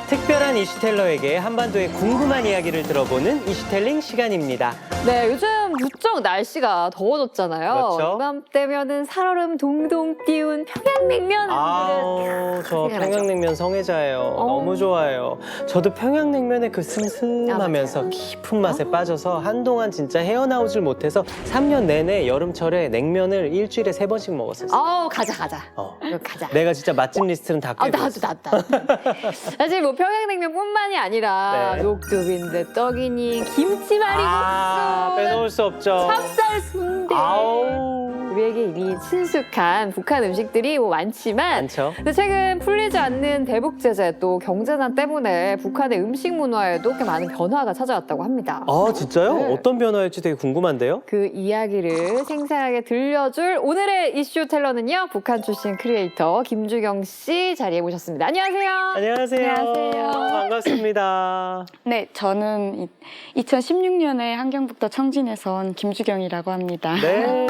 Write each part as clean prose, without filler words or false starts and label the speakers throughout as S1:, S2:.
S1: 특별한 이슈텔러에게 한반도의 궁금한 이야기를 들어보는 이슈텔링 시간입니다.
S2: 네, 요즘 무척 날씨가 더워졌잖아요.
S1: 그렇죠.
S2: 이맘때면은 살얼음 동동 띄운 평양냉면 한
S1: 저
S2: 생각나죠?
S1: 평양냉면 성애자예요. 너무 좋아해요. 저도 평양냉면의 그 슴슴하면서 깊은 맛에 빠져서 한동안 진짜 헤어나오질 못해서 3년 내내 여름철에 냉면을 일주일에 3번씩 먹었었어요.
S2: 아우, 가자. 이거 가자.
S1: 내가 진짜 맛집 리스트는 다 꿰고
S2: 나도. 사실 뭐 평양냉면뿐만이 아니라
S1: 네.
S2: 녹두빈대 떡이니 김치말이국수,
S1: 빼놓을 수 없죠.
S2: 찹쌀 순대.
S1: 아우.
S2: 우리에게 이미 친숙한 북한 음식들이 뭐 많지만
S1: 많죠.
S2: 근데 최근 풀리지 않는 대북 제재 또 경제난 때문에 북한의 음식 문화에도 꽤 많은 변화가 찾아왔다고 합니다.
S1: 아, 진짜요?
S2: 네.
S1: 어떤 변화일지 되게 궁금한데요?
S2: 그 이야기를 생생하게 들려줄 오늘의 이슈 텔러는요. 북한 출신 크리에이터 김주경 씨 자리에 모셨습니다. 안녕하세요.
S1: 안녕하세요.
S3: 안녕하세요.
S1: 반갑습니다.
S3: 네, 저는 2016년에 함경북도 청진에서 온 김주경이라고 합니다.
S1: 네.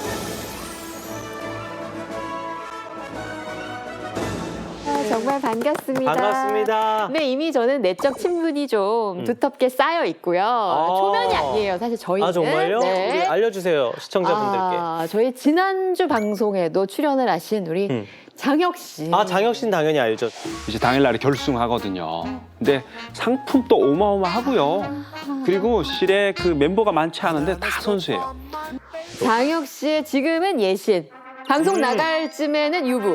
S2: 정말 반갑습니다.
S1: 반갑습니다.
S2: 네, 이미 저는 내적 친분이 좀 두텁게 쌓여 있고요. 초면이 아니에요. 사실 저희는.
S1: 아, 정말요?
S2: 네.
S1: 우리 알려주세요, 시청자분들께.
S2: 저희 지난주 방송에도 출연을 하신 우리 장혁 씨.
S1: 장혁 씨는 당연히 알죠.
S4: 이제 당일날에 결승하거든요. 근데 상품도 어마어마하고요. 그리고 실에 그 멤버가 많지 않은데 다 선수예요.
S2: 장혁 씨의 지금은 예신. 방송 나갈 쯤에는 유부.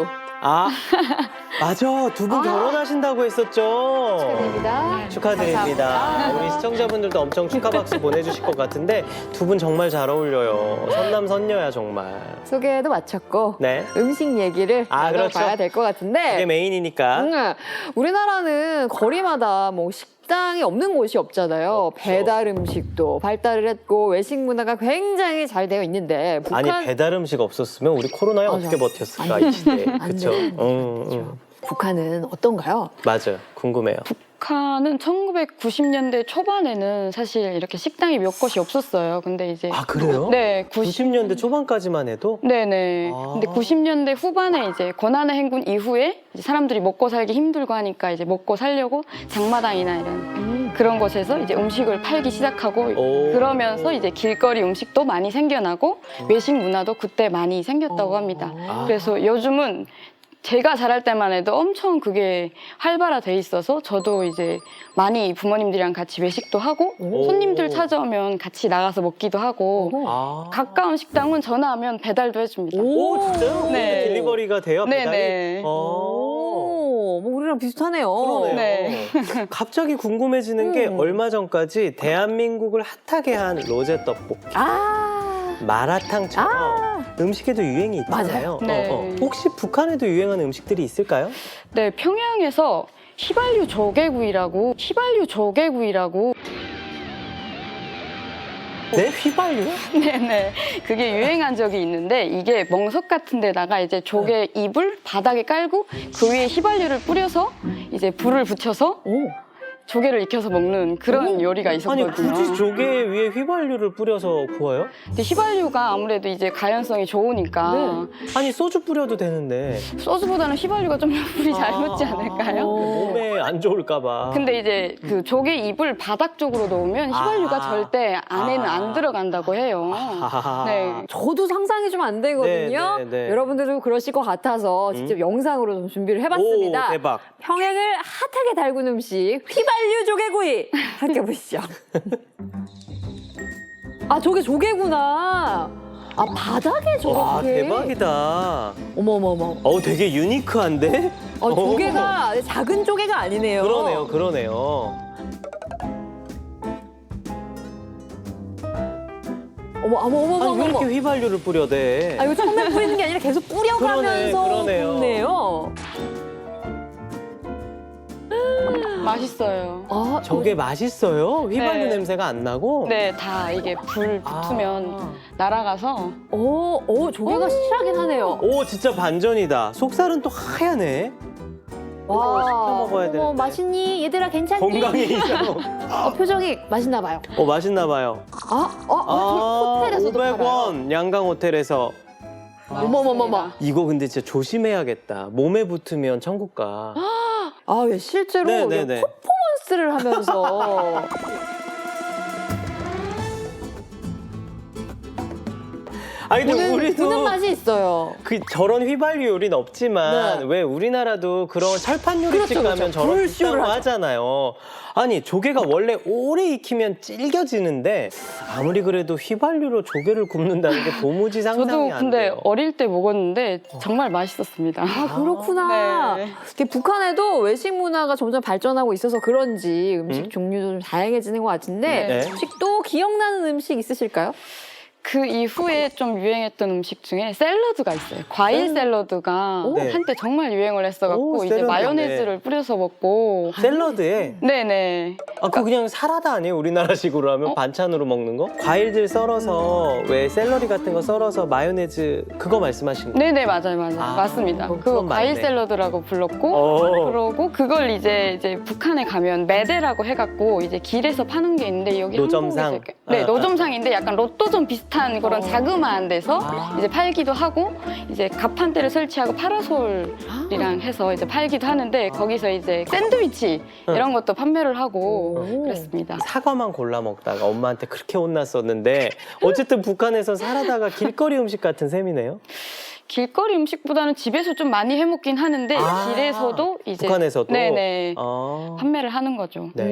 S1: 맞아. 두 분 결혼하신다고 했었죠.
S2: 축하드립니다.
S1: 축하드립니다.
S2: 감사합니다.
S1: 우리 시청자분들도 엄청 축하 박수 보내주실 것 같은데 두 분 정말 잘 어울려요. 선남선녀야 정말.
S2: 소개도 마쳤고
S1: 네.
S2: 음식 얘기를
S1: 그렇죠.
S2: 나눠봐야 될 것 같은데
S1: 그게 메인이니까.
S2: 우리나라는 거리마다 뭐 식당이 없는 곳이 없잖아요.
S1: 없죠.
S2: 배달 음식도 발달을 했고 외식 문화가 굉장히 잘 되어 있는데 북한
S1: 아니 배달 음식 없었으면 우리 코로나에
S2: 맞아.
S1: 어떻게 버텼을까
S2: 안 돼.
S1: 이 시대에.
S2: 안
S1: 그렇죠.
S2: 돼. 북한은 어떤가요?
S1: 맞아요. 궁금해요.
S3: 북한은 1990년대 초반에는 사실 이렇게 식당이 몇 곳이 없었어요. 근데 이제
S1: 그래요?
S3: 네,
S1: 90년대 초반까지만 해도
S3: 네네. 근데 90년대 후반에 이제 권한의 행군 이후에 이제 사람들이 먹고 살기 힘들고 하니까 이제 먹고 살려고 장마당이나 이런 그런 곳에서 이제 음식을 팔기 시작하고 그러면서 이제 길거리 음식도 많이 생겨나고 외식 문화도 그때 많이 생겼다고 합니다. 그래서 요즘은 제가 자랄 때만 해도 엄청 그게 활발화돼 있어서 저도 이제 많이 부모님들이랑 같이 외식도 하고 손님들 찾아오면 같이 나가서 먹기도 하고 가까운 식당은 전화하면 배달도 해줍니다.
S1: 진짜요?
S3: 네.
S1: 딜리버리가 돼요? 배달이?
S3: 네네.
S2: 뭐 우리랑 비슷하네요.
S1: 그러네요.
S3: 네.
S1: 갑자기 궁금해지는 게 얼마 전까지 대한민국을 핫하게 한 로제 떡볶이, 마라탕처럼 음식에도 유행이 있잖아요.
S2: 맞아요.
S3: 네.
S1: 혹시 북한에도 유행하는 음식들이 있을까요?
S3: 네, 평양에서 휘발유 조개구이라고
S1: 네? 휘발유?
S3: 네네 그게 유행한 적이 있는데 이게 멍석 같은 데다가 이제 조개 잎을 바닥에 깔고 그 위에 휘발유를 뿌려서 이제 불을 붙여서 조개를 익혀서 먹는 그런 요리가
S1: 아니
S3: 있었거든요.
S1: 굳이 조개 위에 휘발유를 뿌려서 구워요?
S3: 근데 휘발유가 아무래도 이제 가연성이 좋으니까
S1: 아니 소주 뿌려도 되는데
S3: 소스보다는 휘발유가 좀 불이 잘 붙지 않을까요?
S1: 몸에 안 좋을까 봐.
S3: 근데 이제 그 조개 잎을 바닥 쪽으로 놓으면 휘발유가 절대 안에는 안 들어간다고 해요. 네.
S2: 저도 상상이 좀 안 되거든요.
S1: 네.
S2: 여러분들도 그러실 것 같아서 직접 영상으로 좀 준비를 해봤습니다.
S1: 오, 대박.
S2: 평양을 핫하게 달군 음식 휘발유 조개구이 함께 보시죠. 저게 조개구나. 바닥에
S1: 와
S2: 저렇게.
S1: 대박이다.
S2: 어머머머.
S1: 되게 유니크한데?
S2: 조개가 작은 조개가 아니네요.
S1: 그러네요. 아니 왜 이렇게 휘발유를 뿌려대?
S2: 이거 처음에 뿌리는 게 아니라 계속 뿌려가면서
S1: 그러네요.
S2: 굽네요.
S3: 맛있어요.
S1: 저게 맛있어요? 휘발유
S3: 네.
S1: 냄새가 안 나고?
S3: 네, 다 이게 불 붙으면 날아가서
S2: 조개가 실하긴 하네요.
S1: 오 진짜 반전이다. 속살은 또 하얗네.
S2: 와,
S1: 시켜 먹어야 되는데.
S2: 맛있니? 얘들아 괜찮니?
S1: 건강에 이상.
S2: 표정이 맛있나 봐요.
S1: 맛있나 봐요.
S2: 호텔에서도
S1: 500원 양강 호텔에서.
S2: 어머머머머.
S1: 이거 근데 진짜 조심해야겠다. 몸에 붙으면 천국 가.
S2: 아, 예, 실제로
S1: 네네네.
S2: 퍼포먼스를 하면서
S1: 아 근데 우리도
S2: 보는 맛이 있어요.
S1: 그 저런 휘발유 요리는 없지만
S2: 네.
S1: 왜 우리나라도 그런 철판 요리집
S2: 그렇죠,
S1: 가면
S2: 그렇죠.
S1: 저런
S2: 불쇼를
S1: 비싼 거
S2: 하죠.
S1: 하잖아요. 아니 조개가 원래 오래 익히면 질겨지는데 아무리 그래도 휘발유로 조개를 굽는다는 게 도무지 상상이
S3: 저도
S1: 안
S3: 근데
S1: 돼요.
S3: 어릴 때 먹었는데 정말 맛있었습니다.
S2: 아, 그렇구나.
S3: 네.
S2: 이렇게 북한에도 외식 문화가 점점 발전하고 있어서 그런지 음식 종류도 좀 다양해지는 것 같은데
S1: 네.
S2: 혹시 또 기억나는 음식 있으실까요?
S3: 그 이후에 좀 유행했던 음식 중에 샐러드가 있어요. 과일 샐러드가
S1: 네.
S3: 한때 정말 유행을
S1: 오,
S3: 했어갖고 이제
S1: 샐러드,
S3: 마요네즈를 뿌려서 먹고
S1: 샐러드에
S3: 네네.
S1: 아, 그거 그냥 사라다 아니에요? 우리나라식으로 하면 반찬으로 먹는 거? 과일들 썰어서 왜 샐러리 같은 거 썰어서 마요네즈 그거 말씀하신 거?
S3: 네네 맞아요
S1: 아,
S3: 맞습니다.
S1: 그건
S3: 그거
S1: 맞네.
S3: 과일 샐러드라고 불렀고
S1: 어.
S3: 그러고 그걸 이제 북한에 가면 매대라고 해갖고 이제 길에서 파는 게 있는데 여기
S1: 노점상?
S3: 한국에서 네
S1: 아,
S3: 노점상인데 약간 로또점 비슷한 그런 자그마한 데서
S1: 아.
S3: 이제 팔기도 하고 이제 가판대를 설치하고 파라솔이랑 해서 이제 팔기도 하는데 거기서 이제 샌드위치 이런 것도 판매를 하고 그랬습니다.
S1: 사과만 골라 먹다가 엄마한테 그렇게 혼났었는데 어쨌든 북한에서 사라다가 길거리 음식 같은 셈이네요.
S3: 길거리 음식보다는 집에서 좀 많이 해먹긴 하는데
S1: 아,
S3: 길에서도 이제
S1: 북한에서도?
S3: 네네
S1: 아.
S3: 판매를 하는 거죠.
S1: 네.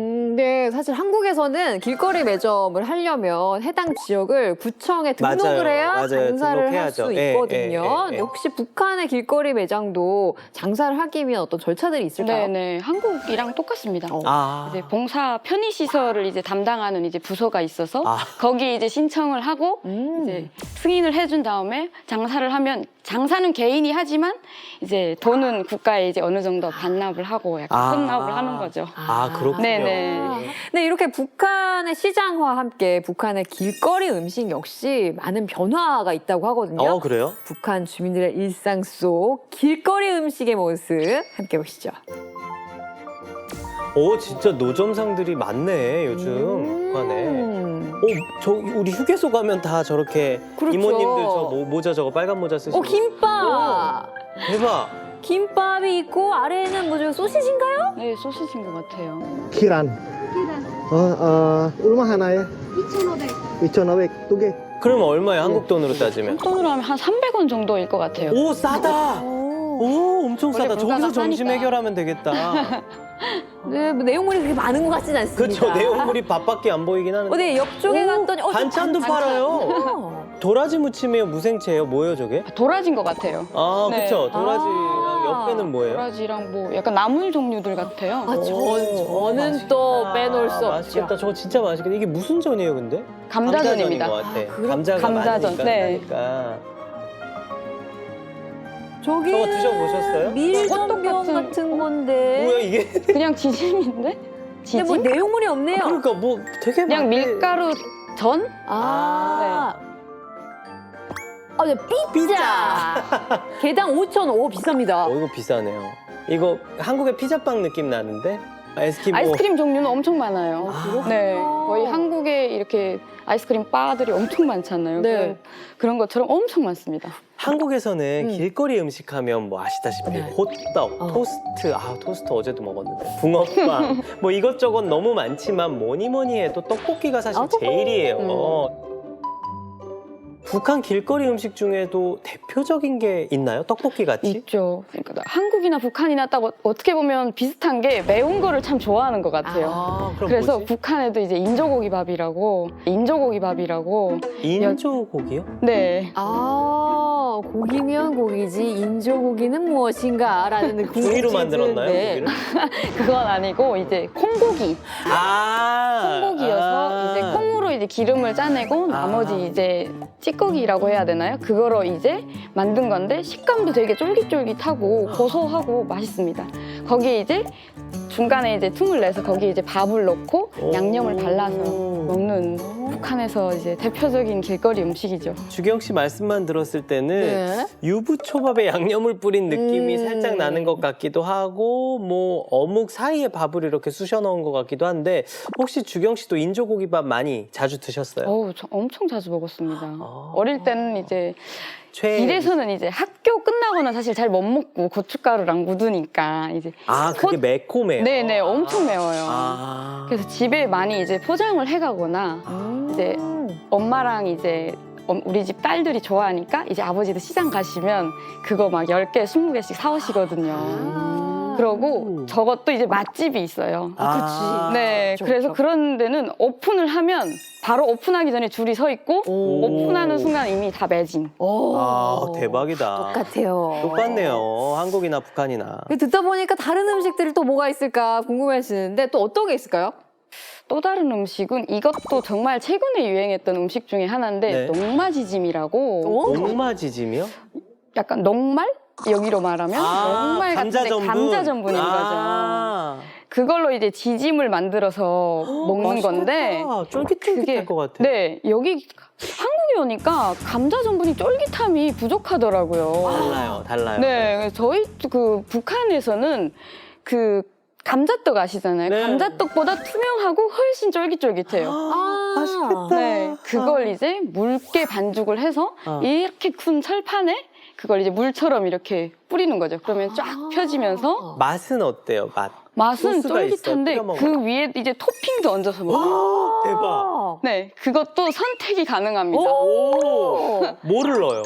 S2: 네, 사실 한국에서는 길거리 매점을 하려면 해당 지역을 구청에 등록을
S1: 맞아요,
S2: 해야
S1: 맞아요.
S2: 장사를 할
S1: 등록해야죠.
S2: 수
S1: 예,
S2: 있거든요.
S1: 예, 예, 예.
S2: 혹시 북한의 길거리 매장도 장사를 하기 위한 어떤 절차들이 있을까요?
S3: 네네 한국이랑 똑같습니다.
S1: 아.
S3: 이제 봉사 편의 시설을 이제 담당하는 이제 부서가 있어서
S1: 아.
S3: 거기 이제 신청을 하고 이제 승인을 해준 다음에 장사를 하면 장사는 개인이 하지만 이제 돈은 국가에 이제 어느 정도 반납을 하고 약간
S1: 아.
S3: 헌납을 하는 거죠.
S1: 아, 그렇군요.
S3: 네네.
S2: 네, 이렇게 북한의 시장과 함께 북한의 길거리 음식 역시 많은 변화가 있다고 하거든요.
S1: 그래요?
S2: 북한 주민들의 일상 속 길거리 음식의 모습 함께 보시죠.
S1: 진짜 노점상들이 많네, 요즘 북한에. 저 우리 휴게소 가면 다 저렇게
S2: 그렇죠.
S1: 이모님들 저 모자 저거 빨간 모자 쓰시고.
S2: 김밥!
S1: 대박.
S2: 김밥이 있고 아래에는 뭐죠? 소시지인가요?
S3: 네 소시지인 것 같아요.
S5: Kiran. 얼마 하나에? 2,500. 2개.
S1: 그러면 얼마야, 한국 돈으로 따지면?
S3: 돈으로 하면 한 300원 정도일 것 같아요.
S1: 오, 싸다. 오, 엄청
S3: 원래
S1: 싸다. 저기서
S3: 물가가
S1: 점심
S3: 싸니까.
S1: 해결하면 되겠다.
S2: 네, 뭐 내용물이 그렇게 많은 것 같진 않습니다.
S1: 그렇죠. 내용물이 밥밖에 안 보이긴 하는데.
S2: 네, 옆쪽에 갔더니
S1: 반찬도 팔아요.
S2: 어.
S1: 도라지 무침이에요? 무생채예요? 뭐예요, 저게?
S3: 도라지인 것 같아요.
S1: 아,
S3: 네.
S1: 그렇죠. 도라지랑
S2: 아.
S1: 옆에는 뭐예요?
S3: 도라지랑 뭐 약간 나물 종류들 같아요.
S2: 아, 저는
S1: 맛있겠다.
S2: 또 빼놓을 수 없죠.
S1: 맛있겠다. 저거 진짜 맛있겠다. 이게 무슨 전이에요, 근데?
S3: 감자전입니다.
S1: 감자전인 것 같아. 감자가
S3: 감자전,
S1: 많으니까.
S3: 네.
S1: 그러니까.
S2: 저기
S1: 저거 드셔보셨어요?
S2: 밀전병
S3: 똑같은-
S2: 같은 건데.
S1: 뭐야, 이게?
S3: 그냥 지짐인데? 지짐?
S2: 근데 뭐 내용물이 없네요.
S1: 그러니까 뭐 되게
S3: 그냥
S1: 많네.
S3: 밀가루 전?
S2: 네, 피자. 개당 5,500원 비쌉니다.
S1: 이거 비싸네요. 이거 한국의 피자빵 느낌 나는데? 에스키모.
S3: 아이스크림 종류는 엄청 많아요. 네, 거의 한국에 이렇게 아이스크림 바들이 엄청 많잖아요.
S2: 네.
S3: 그런 것처럼 엄청 많습니다.
S1: 한국에서는 길거리 음식 하면 뭐 아시다시피
S2: 네.
S1: 호떡, 토스트, 토스트 어제도 먹었는데 붕어빵 뭐 이것저것 너무 많지만 뭐니 해도 떡볶이가 사실
S2: 떡볶이.
S1: 제일이에요. 북한 길거리 음식 중에도 대표적인 게 있나요? 떡볶이 같이?
S3: 있죠. 그러니까 한국이나 북한이나 딱 어떻게 보면 비슷한 게 매운 거를 참 좋아하는 것 같아요.
S1: 그럼
S3: 그래서
S1: 뭐지?
S3: 북한에도 이제 인조고기밥이라고
S1: 인조고기요?
S3: 네.
S2: 고기면 고기지 인조고기는 무엇인가 라는
S1: 구이로 만들었나요? 고기를?
S3: 그건 아니고 이제 콩고기. 콩고기여서 이제 콩으로 이제 기름을 짜내고 나머지 이제 찌꺼기라고 해야 되나요? 그거로 이제 만든 건데 식감도 되게 쫄깃쫄깃하고 고소하고 맛있습니다. 거기에 이제 중간에 이제 틈을 내서 거기에 이제 밥을 넣고 양념을 발라서 먹는 북한에서 이제 대표적인 길거리 음식이죠.
S1: 주경 씨 말씀만 들었을 때는
S2: 네.
S1: 유부초밥에 양념을 뿌린 느낌이
S2: 음.
S1: 살짝 나는 것 같기도 하고 뭐 어묵 사이에 밥을 이렇게 쑤셔 넣은 것 같기도 한데 혹시 주경 씨도 인조고기밥 많이 자주 드셨어요?
S3: 어우, 저 엄청 자주 먹었습니다.
S1: 아.
S3: 어릴 때는 이제
S1: 최애
S3: 길에서는 이제 학교 끝나고는 사실 잘 못 먹고 고춧가루랑 묻으니까 이제
S1: 아 그게 매콤해요.
S3: 네네 엄청 매워요.
S1: 아.
S3: 그래서 집에 많이 이제 포장을 해가거나 이제 엄마랑 이제 우리 집 딸들이 좋아하니까 이제 아버지도 시장 가시면 그거 막 10개, 20개씩 사오시거든요. 그러고 저것도 이제 맛집이 있어요.
S1: 아,
S3: 네,
S2: 그쵸,
S3: 그래서
S2: 그쵸.
S3: 그런 데는 오픈을 하면 바로 오픈하기 전에 줄이 서 있고
S1: 오.
S3: 오픈하는 순간 이미 다 매진.
S2: 오.
S1: 아 대박이다.
S2: 똑같아요.
S1: 똑같네요. 한국이나 북한이나.
S2: 듣다 보니까 다른 음식들이 또 뭐가 있을까 궁금해지는데 또 어떤 게 있을까요?
S3: 또 다른 음식은 이것도 정말 최근에 유행했던 음식 중에 하나인데
S1: 네.
S3: 녹마지짐이라고
S1: 녹마지짐이요?
S3: 약간 녹말? 여기로 말하면 녹말
S1: 감자
S3: 같은데
S1: 전분.
S3: 감자 전분인
S1: 아.
S3: 거죠. 그걸로 이제 지짐을 만들어서 먹는 건데
S1: 쫄깃쫄깃할 것 같아.
S3: 네, 여기 한국에 오니까 감자 전분이 쫄깃함이 부족하더라고요.
S1: 달라요.
S3: 네, 저희 그 북한에서는 그 감자떡 아시잖아요.
S1: 네.
S3: 감자떡보다 투명하고 훨씬 쫄깃쫄깃해요.
S1: 맛있겠다.
S3: 네, 그걸 이제 묽게 반죽을 해서 이렇게 큰 철판에 그걸 이제 물처럼 이렇게 뿌리는 거죠. 그러면 쫙 펴지면서
S1: 맛은 어때요?
S3: 맛은
S1: 소스가 있어요?
S3: 쫄깃한데
S1: 뿌려 먹어요?
S3: 그 위에 이제 토핑도 얹어서 먹어요.
S1: 대박.
S3: 네, 그것도 선택이 가능합니다.
S1: 오. 뭐를 넣어요?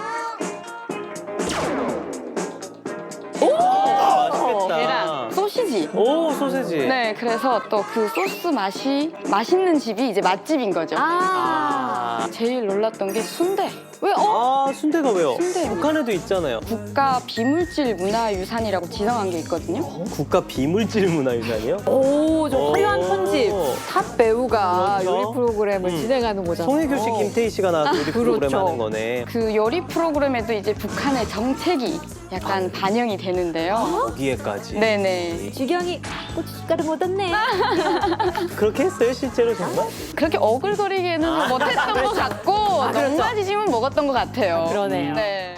S1: 맛있겠다.
S3: 계란, 소시지.
S1: 오 소세지.
S3: 네, 그래서 또 그 소스 맛이 맛있는 집이 이제 맛집인 거죠.
S1: 아.
S3: 제일 놀랐던 게 순대.
S2: 왜?
S1: 아 순대가 왜요?
S3: 순대.
S1: 북한에도 있잖아요.
S3: 국가 비물질 문화유산이라고 지정한 게 있거든요.
S1: 국가 비물질 문화유산이요?
S2: 오, 저
S1: 오.
S2: 화려한 편집. 탑 배우가
S1: 그렇죠.
S2: 요리 프로그램을 진행하는 거잖아요.
S1: 송혜교 씨, 김태희 씨가 나와서 요리 프로그램
S2: 그렇죠.
S1: 하는 거네.
S3: 그 요리 프로그램에도 이제 북한의 정책이 약간 반영이 되는데요.
S1: 거기에까지.
S3: 네네.
S2: 주경이 고춧가루 못 얻네.
S1: 그렇게 했어요 실제로 정말?
S3: 그렇게 어글거리게는 못했던 것 같고
S2: 그렇죠.
S3: 녹마지짐은 먹었던 것 같아요.
S2: 그러네요.
S3: 네.